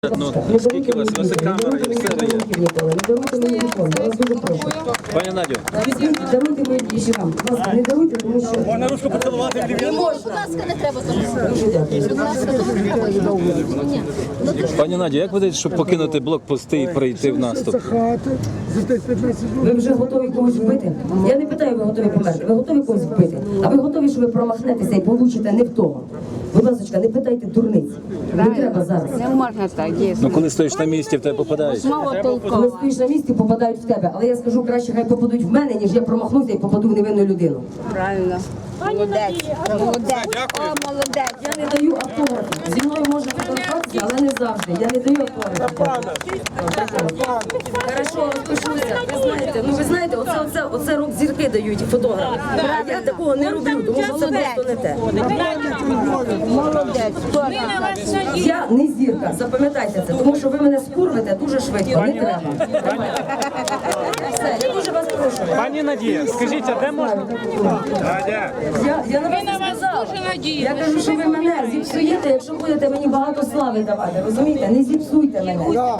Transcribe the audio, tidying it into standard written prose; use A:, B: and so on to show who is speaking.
A: Ну, скільки у вас? У вас і камера, і все є. Пані Надю.
B: Даруйте мої більше вам. Будь ласка, не даруйте, тому що...
C: Можна ручку поцілувати?
B: Не можна.
D: Будь ласка, не треба зараз.
A: Пані Надю, як ви даєте, щоб покинути блокпости і прийти в наступ?
B: Ви вже готові когось вбити? Я не питаю, ви готові померти. Ви готові когось вбити? А ви готові, що ви промахнетеся і получите не в того? Будь ласка, не питайте дурниць. Не треба зараз.
D: Не можна так, дійсно.
A: Ну коли стоїш на місці, в тебе попадають.
D: Мало
B: Коли
D: толково.
B: стоїш на місці, попадають в тебе. Але я скажу, краще хай попадуть в мене, ніж я промахнуся і попаду в невинну людину.
D: Правильно. Молодець. Молодець. О, молодець.
B: Я не даю автографів. Зі мною можна фотографуватися, але не завжди. Я не даю автографів. Хорошо, розпишуся. Ви знаєте, оце рок-зірки дають фотографи. Я такого не роблю, тому що це просто не те.
D: Молодець.
B: Я не зірка, запам'ятайте це, тому що ви мене скурвите дуже швидко, не треба. Все, я дуже вас прошу.
C: Пані Надія, скажіть, а де можна?
B: Я на вас не сказала. Я кажу, що ви мене зіпсуєте, якщо будете мені багато слави давати, розумієте? Не зіпсуйте мене.